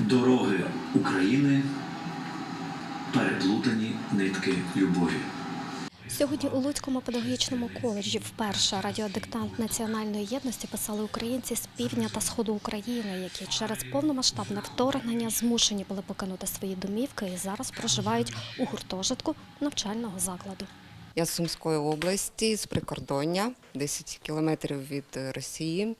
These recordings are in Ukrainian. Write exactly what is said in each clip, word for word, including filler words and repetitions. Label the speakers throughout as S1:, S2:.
S1: Дороги України – переплутані нитки любові.
S2: Сьогодні у Луцькому педагогічному коледжі вперше радіодиктант національної єдності писали українці з півдня та сходу України, які через повномасштабне вторгнення змушені були покинути свої домівки і зараз проживають у гуртожитку навчального закладу.
S3: Я з Сумської області, з прикордоння, десять кілометрів від Росії.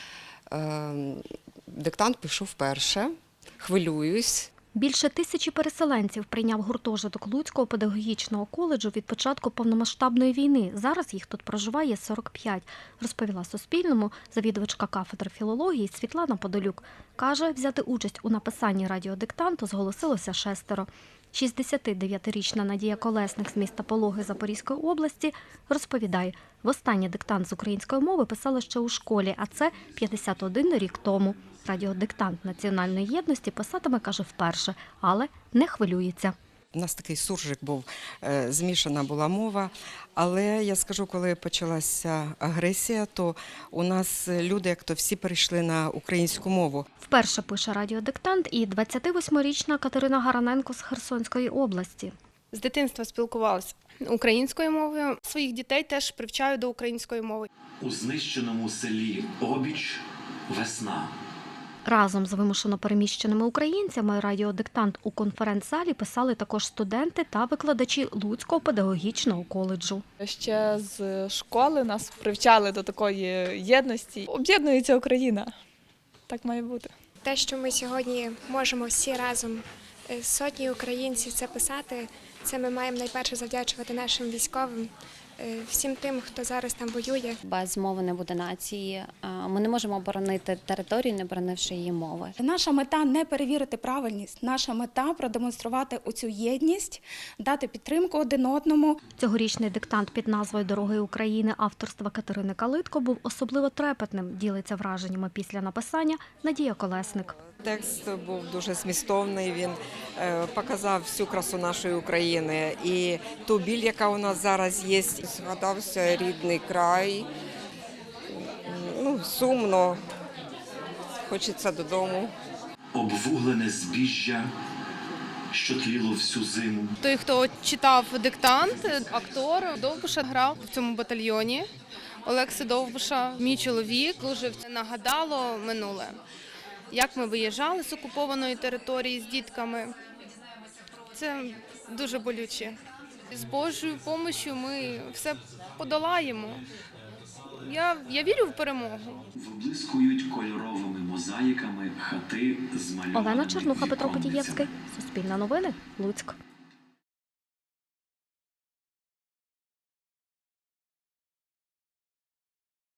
S3: Диктант пишу вперше, хвилююсь.
S2: Більше тисячі переселенців прийняв гуртожиток Луцького педагогічного коледжу від початку повномасштабної війни. Зараз їх тут проживає сорок п'ять, розповіла Суспільному завідувачка кафедри філології Світлана Подолюк. Каже, взяти участь у написанні радіодиктанту зголосилося шестеро. шістдесятидев'ятирічна Надія Колесник з міста Пологи Запорізької області розповідає, востаннє диктант з української мови писали ще у школі, а це п'ятдесят один рік тому. Радіодиктант національної єдності писатиме, каже, вперше, але не хвилюється.
S3: У нас такий суржик був, змішана була мова, але я скажу, коли почалася агресія, то у нас люди, як то всі перейшли на українську мову.
S2: Вперше пише радіодиктант і двадцятивосьмирічна Катерина Гараненко з Херсонської області.
S4: З дитинства спілкувалася українською мовою, своїх дітей теж привчаю до української мови.
S1: У знищеному селі Обіч весна.
S2: Разом з вимушено переміщеними українцями радіодиктант у конференц-залі писали також студенти та викладачі Луцького педагогічного коледжу.
S5: Ще з школи нас привчали до такої єдності. Об'єднується Україна. Так має бути.
S6: Те, що ми сьогодні можемо всі разом, сотні українців, це писати, це ми маємо найперше завдячувати нашим військовим, всім тим, хто зараз там воює.
S7: Без мови не буде нації. Ми не можемо оборонити територію, не оборонивши її мови.
S8: Наша мета – не перевірити правильність. Наша мета – продемонструвати оцю єдність, дати підтримку один одному.
S2: Цьогорічний диктант під назвою «Дороги України» авторства Катерини Калитко був особливо трепетним, ділиться враженнями після написання Надія Колесник.
S3: Текст був дуже змістовний, він показав всю красу нашої України і ту біль, яка у нас зараз є. Згадався рідний край, ну, сумно, хочеться додому.
S1: Обвуглене збіжжя, що тліло всю зиму.
S4: Той, хто читав диктант, актор Довбуша грав в цьому батальйоні. Олекси Довбуша, мій чоловік, дуже нагадало минуле. Як ми виїжджали з окупованої території з дітками. Це дуже болюче. З Божою допомогою ми все подолаємо. Я, я вірю в перемогу.
S1: Виблискують кольоровими мозаїками хати з малюваними
S2: Олена Чернуха, Петро
S1: віконницями.
S2: Потієвський. Суспільне новини. Луцьк.